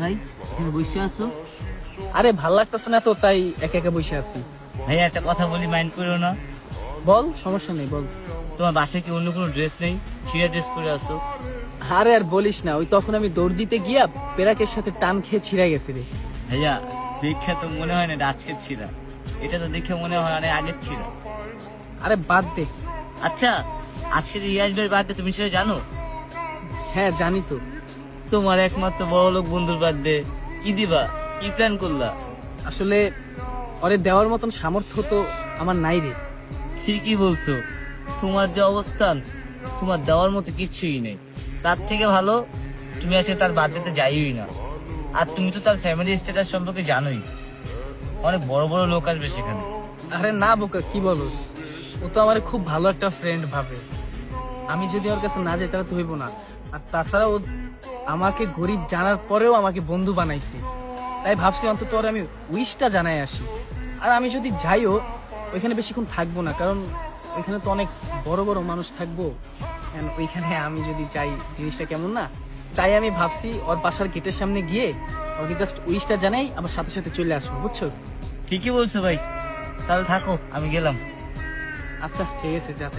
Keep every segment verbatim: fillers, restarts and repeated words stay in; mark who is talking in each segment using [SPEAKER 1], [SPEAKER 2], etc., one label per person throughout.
[SPEAKER 1] ভাই তুমি বসে আছো?
[SPEAKER 2] আরে ভাল লাগতেছে না তো, তাই একা একা বসে আছি।
[SPEAKER 1] ভাই একটা কথা বলি, মাইন্ড করো না।
[SPEAKER 2] বল, সমস্যা নেই, বল।
[SPEAKER 1] তোমার বাসায় কি অন্য কোনো ড্রেস নেই? ছিঁড়া ড্রেস পরে আসো।
[SPEAKER 2] আরে আর বলিস না, ওই তখন আমি দৌড় দিতে গিয়া পেরাকের সাথে টান খেয়ে ছিঁড়ে গেছি রে।
[SPEAKER 1] ভাইয়া দেখে তো মনে হয় না এটা আজকের ছিঁড়া, এটা তো দেখে মনে হয় অনেক আগের ছিঁড়া।
[SPEAKER 2] আরে বাদ দে।
[SPEAKER 1] আচ্ছা, আজকে যে ইয়াস ভাইয়ের বার্থডে, তুমি সেটা জানো?
[SPEAKER 2] হ্যাঁ জানি তো।
[SPEAKER 1] তোমার একমাত্র বড় লোক বন্ধুর বার্থডে, কি দিবা, কি প্ল্যান করলা?
[SPEAKER 2] আসলে ওরে দেওয়ার মতন সামর্থ্য তো আমার নাই রে।
[SPEAKER 1] ঠিকই বলছো, তোমার যে অবস্থান, তোমার দেওয়ার মতো কিচ্ছুই নেই। তার থেকে ভালো তুমি আজকে তার বার্থডেতে যাইই না। আর তুমি তো তার ফ্যামিলি স্ট্যাটাস সম্পর্কে জানোই, অনেক বড় বড় লোক আসবে সেখানে।
[SPEAKER 2] আরে না বোকা, কি বলস, ও তো আমার খুব ভালো একটা ফ্রেন্ড ভাবে। আমি যদি ওর কাছে না যাই তাহলে তো হইব না। আর তাছাড়া ও আমাকে গরিব জানার পরেও আমাকে বন্ধু বানাইছে, তাই ভাবছি অন্তত ওর আমি উইশটা জানাই আসি। আর আমি যদি যাইও ওইখানে বেশিক্ষণ থাকবো না, কারণ ওইখানে তো অনেক বড় বড় মানুষ থাকবো। And ওইখানে আমি যদি যাই জিনিসটা কেমন না, তাই আমি ভাবছি ওর বাসার গেটের সামনে গিয়ে ওকে জাস্ট উইশটা জানাই, আমার সাথে সাথে চলে আসবো, বুঝছো?
[SPEAKER 1] ঠিকই বলছো ভাই, তাহলে থাকো, আমি গেলাম।
[SPEAKER 2] আচ্ছা ঠিক আছে, যাতে।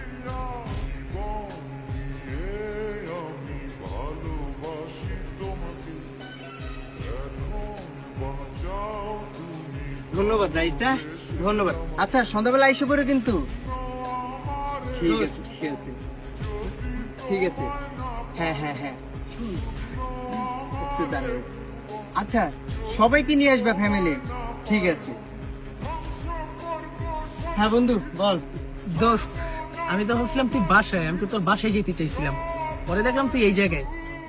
[SPEAKER 3] ধন্যবাদ রাইসা, ধন্যবাদ। আচ্ছা সন্ধ্যাবেলা এসে পড়ো কিন্তু। ঠিক আছে ঠিক আছে ঠিক আছে। হ্যাঁ হ্যাঁ হ্যাঁ শুন, একটু দাঁড়াও। আচ্ছা সবাইকে নিয়ে আসবে ফ্যামিলি, ঠিক আছে। হ্যাঁ বন্ধু বল।
[SPEAKER 2] দোস্ত, আমি তো ভাবছিলাম তুই বাসায়, আমি তো তোর বাসায় যেতে চাইছিলাম, পরে দেখলাম তুই এই জায়গায়।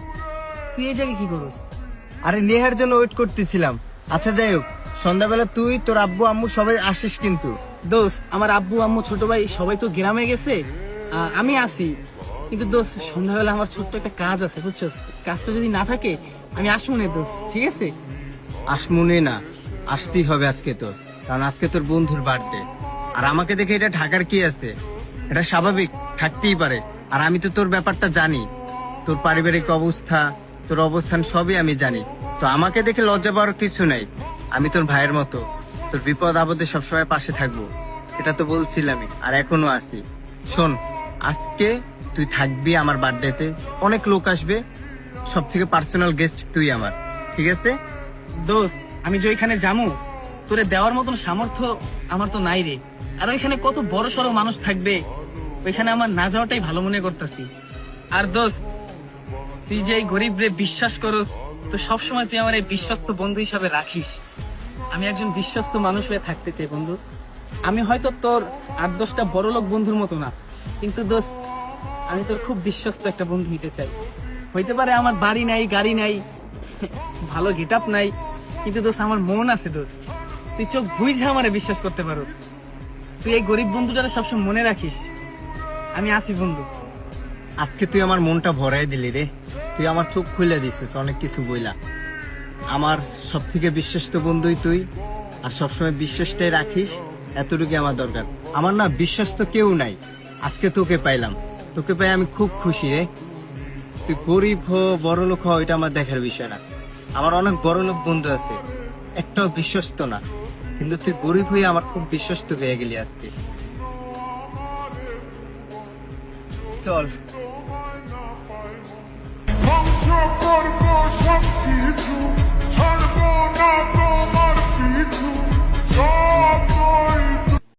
[SPEAKER 2] তুই এই জায়গায় কি করস?
[SPEAKER 3] আরে নেহার জন্য ওয়েট করতেছিলাম। আচ্ছা যাই হোক, সন্ধ্যাবেলা তুই তোর আব্বু আম্মু সবাই আসিস কিন্তু।
[SPEAKER 2] দোস্ত, আমার আব্বু আম্মু ছোট ভাই সবাই তো গ্রামে গেছে, আহ, আমি আসি। কিন্তু দোস্ত সন্ধ্যাবেলা আমার ছোট্ট একটা কাজ আছে, বুঝছস? কাজটা যদি না থাকে আমি আসবো না দোস্ত, ঠিক আছে?
[SPEAKER 3] আসমুনে না, আসতেই হবে আজকে তোর, কারণ আজকে তোর বন্ধুর বার্থডে। আর আমাকে দেখে এটা ঢাকার কি আছে, এটা স্বাভাবিক থাকতেই পারে। আর আমি তো তোর ব্যাপারটা জানি, তোর পারিবারিক অবস্থা, তোর অবস্থান সবই আমি জানি। তো আমাকে দেখে লজ্জা পাওয়ার কিছু নাই। আমি তোর ভাইয়ের মতো, তোর বিপদ আপদে সবসময় পাশে থাকবো, এটা তো বলছিলামই, আর এখনো আছি। শোন, আজকে তুই থাকবি আমার বার্থডেতে, অনেক লোক আসবে, সব থেকে পার্সোনাল গেস্ট তুই আমার, ঠিক আছে?
[SPEAKER 2] দোস্ত, আমি যে ওইখানে যাবো, তোরে দেওয়ার মতন সামর্থ্য আমার তো নাই রে। আর ওইখানে কত বড় সড়ো মানুষ থাকবে, ওইখানে আমার না যাওয়াটাই ভালো মনে করতেছি। আর দোস্ত, তুই যে এই গরিব রে বিশ্বাস করস, তো সবসময় তুই আমার এই বিশ্বস্ত বন্ধু হিসাবে রাখিস। আমি একজন বিশ্বস্ত মানুষ হয়ে থাকতে চাই বন্ধু। আমি হয়তো তোর আট দশটা বড় লোক বন্ধুর মতো না, কিন্তু দোস্ত আমি তোর খুব বিশ্বস্ত একটা বন্ধু হইতে চাই। হইতে পারে আমার বাড়ি নাই, গাড়ি নাই, ভালো গেট আপ নাই, কিন্তু দোস্ত আমার মন আছে দোস্ত। তুই চোখ বুঝে আমারে বিশ্বাস করতে পারোস। তুই এই গরিব বন্ধুটারে সবসময় মনে রাখিস। আমি আছি বন্ধু।
[SPEAKER 3] আজকে তুই আমার মনটা ভরাই দিলি রে, তুই আমার চোখ খুলে দিছিস অনেক কিছু বইলা। আমার সব থেকে বিশ্বস্ত বন্ধুই তুই, আর সবসময় বিশ্বাসটাই রাখিস, এতটুকু আমার দরকার। আমার না বিশ্বস্ত কেউ নাই, আজকে তোকে পাইলাম, তোকে পাই আমি খুব খুশি রে। তুই গরিব হো বড় লোক হো এটা আমার দেখার বিষয় না, আমার অনেক বড় লোক বন্ধু আছে, একটাও বিশ্বস্ত না, কিন্তু তুই গরিব হয়ে আমার খুব বিশ্বস্ত হয়ে গেলি আজকে। চল।